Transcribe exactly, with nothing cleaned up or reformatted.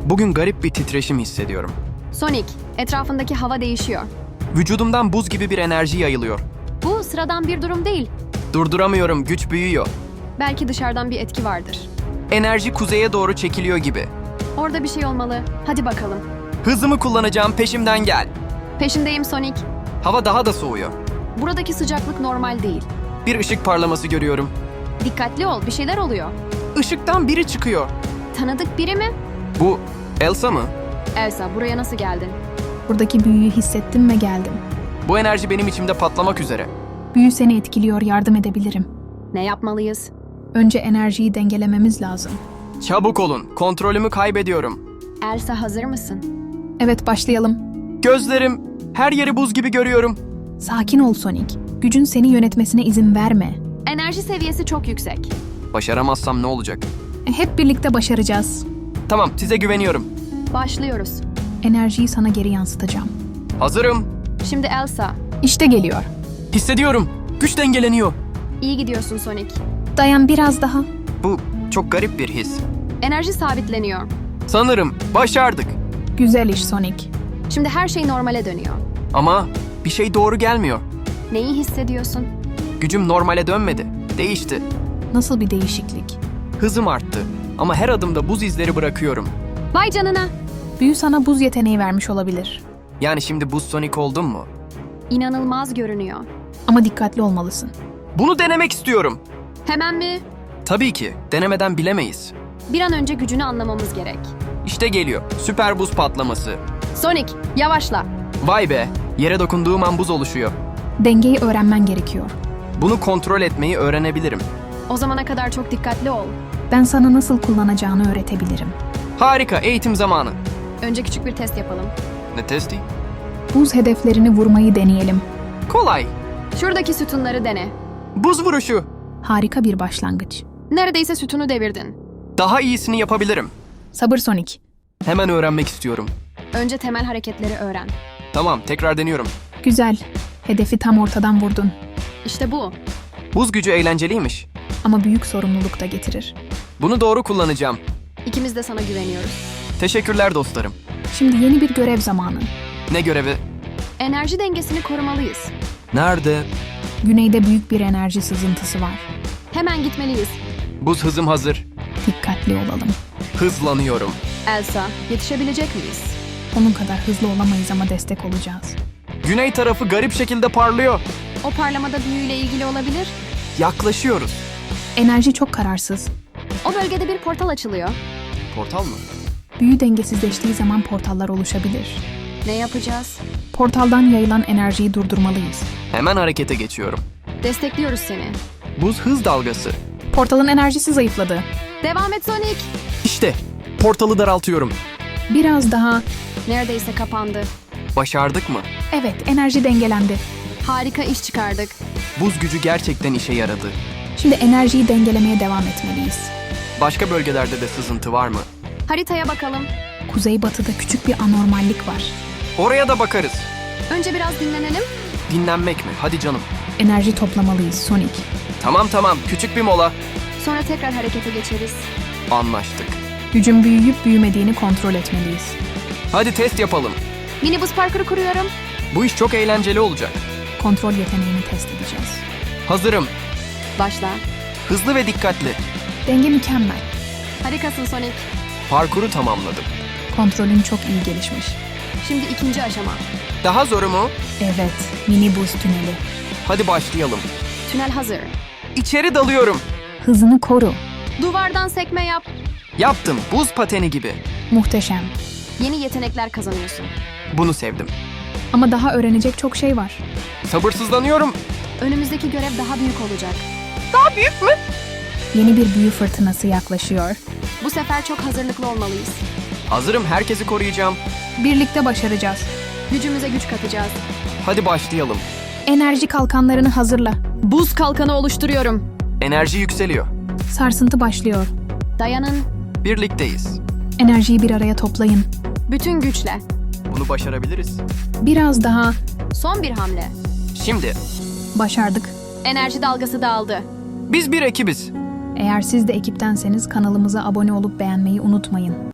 Bugün garip bir titreşim hissediyorum. Sonic, etrafındaki hava değişiyor. Vücudumdan buz gibi bir enerji yayılıyor. Bu sıradan bir durum değil. Durduramıyorum, güç büyüyor. Belki dışarıdan bir etki vardır. Enerji kuzeye doğru çekiliyor gibi. Orada bir şey olmalı. Hadi bakalım. Hızımı kullanacağım, peşimden gel. Peşindeyim Sonic. Hava daha da soğuyor. Buradaki sıcaklık normal değil. Bir ışık parlaması görüyorum. Dikkatli ol, bir şeyler oluyor. Işıktan biri çıkıyor. Tanıdık biri mi? Bu Elsa mı? Elsa, buraya nasıl geldin? Buradaki büyüyü hissettim ve geldim. Bu enerji benim içimde patlamak üzere. Büyü seni etkiliyor, yardım edebilirim. Ne yapmalıyız? Önce enerjiyi dengelememiz lazım. Çabuk olun, kontrolümü kaybediyorum. Elsa, hazır mısın? Evet, başlayalım. Gözlerim, her yeri buz gibi görüyorum. Sakin ol Sonic. Gücün seni yönetmesine izin verme. Enerji seviyesi çok yüksek. Başaramazsam ne olacak? E, Hep birlikte başaracağız. Tamam, size güveniyorum. Başlıyoruz. Enerjiyi sana geri yansıtacağım. Hazırım. Şimdi Elsa. İşte geliyor. Hissediyorum. Güç dengeleniyor. İyi gidiyorsun Sonic. Dayan biraz daha. Bu çok garip bir his. Enerji sabitleniyor. Sanırım başardık. Güzel iş Sonic. Şimdi her şey normale dönüyor. Ama bir şey doğru gelmiyor. Neyi hissediyorsun? Gücüm normale dönmedi. Değişti. Nasıl bir değişiklik? Hızım arttı. Ama her adımda buz izleri bırakıyorum. Vay canına! Büyü sana buz yeteneği vermiş olabilir. Yani şimdi buz Sonic oldum mu? İnanılmaz görünüyor. Ama dikkatli olmalısın. Bunu denemek istiyorum. Hemen mi? Tabii ki. Denemeden bilemeyiz. Bir an önce gücünü anlamamız gerek. İşte geliyor. Süper buz patlaması. Sonic, yavaşla. Vay be. Yere dokunduğum an buz oluşuyor. Dengeyi öğrenmen gerekiyor. Bunu kontrol etmeyi öğrenebilirim. O zamana kadar çok dikkatli ol. Ben sana nasıl kullanacağını öğretebilirim. Harika. Eğitim zamanı. Önce küçük bir test yapalım. Ne testi? Buz hedeflerini vurmayı deneyelim. Kolay. Şuradaki sütunları dene. Buz vuruşu. Harika bir başlangıç. Neredeyse sütunu devirdin. Daha iyisini yapabilirim. Sabır Sonic. Hemen öğrenmek istiyorum. Önce temel hareketleri öğren. Tamam, tekrar deniyorum. Güzel. Hedefi tam ortadan vurdun. İşte bu. Buz gücü eğlenceliymiş. Ama büyük sorumluluk da getirir. Bunu doğru kullanacağım. İkimiz de sana güveniyoruz. Teşekkürler dostlarım. Şimdi yeni bir görev zamanı. Ne görevi? Enerji dengesini korumalıyız. Nerede? Güneyde büyük bir enerji sızıntısı var. Hemen gitmeliyiz. Buz hızım hazır. Dikkatli olalım. Hızlanıyorum. Elsa, yetişebilecek miyiz? Onun kadar hızlı olamayız ama destek olacağız. Güney tarafı garip şekilde parlıyor. O parlamada büyüyle ilgili olabilir. Yaklaşıyoruz. Enerji çok kararsız. O bölgede bir portal açılıyor. Portal mı? Büyü dengesizleştiği zaman portallar oluşabilir. Ne yapacağız? Portaldan yayılan enerjiyi durdurmalıyız. Hemen harekete geçiyorum. Destekliyoruz seni. Buz hız dalgası. Portalın enerjisi zayıfladı. Devam et Sonic. İşte portalı daraltıyorum. Biraz daha... Neredeyse kapandı. Başardık mı? Evet, enerji dengelendi. Harika iş çıkardık. Buz gücü gerçekten işe yaradı. Şimdi enerjiyi dengelemeye devam etmeliyiz. Başka bölgelerde de sızıntı var mı? Haritaya bakalım. Kuzeybatıda küçük bir anormallik var. Oraya da bakarız. Önce biraz dinlenelim. Dinlenmek mi? Hadi canım. Enerji toplamalıyız Sonic. Tamam tamam, küçük bir mola. Sonra tekrar harekete geçeriz. Anlaştık. Gücün büyüyüp büyümediğini kontrol etmeliyiz. Hadi test yapalım. Mini buz parkuru kuruyorum. Bu iş çok eğlenceli olacak. Kontrol yeteneğini test edeceğiz. Hazırım. Başla. Hızlı ve dikkatli. Denge mükemmel. Harikasın Sonic. Parkuru tamamladım. Kontrolün çok iyi gelişmiş. Şimdi ikinci aşama. Daha zoru mu? Evet, mini buz tüneli. Hadi başlayalım. Tünel hazır. İçeri dalıyorum. Hızını koru. Duvardan sekme yap. Yaptım. Buz pateni gibi. Muhteşem. Yeni yetenekler kazanıyorsun. Bunu sevdim. Ama daha öğrenecek çok şey var. Sabırsızlanıyorum. Önümüzdeki görev daha büyük olacak. Daha büyük mü? Yeni bir büyü fırtınası yaklaşıyor. Bu sefer çok hazırlıklı olmalıyız. Hazırım. Herkesi koruyacağım. Birlikte başaracağız. Gücümüze güç katacağız. Hadi başlayalım. Enerji kalkanlarını hazırla. Buz kalkanı oluşturuyorum. Enerji yükseliyor. Sarsıntı başlıyor. Dayanın. Birlikteyiz. Enerjiyi bir araya toplayın. Bütün güçle. Bunu başarabiliriz. Biraz daha. Son bir hamle. Şimdi Başardık. Enerji dalgası dağıldı. biz bir ekibiz. Eğer siz de ekiptenseniz kanalımıza abone olup beğenmeyi unutmayın.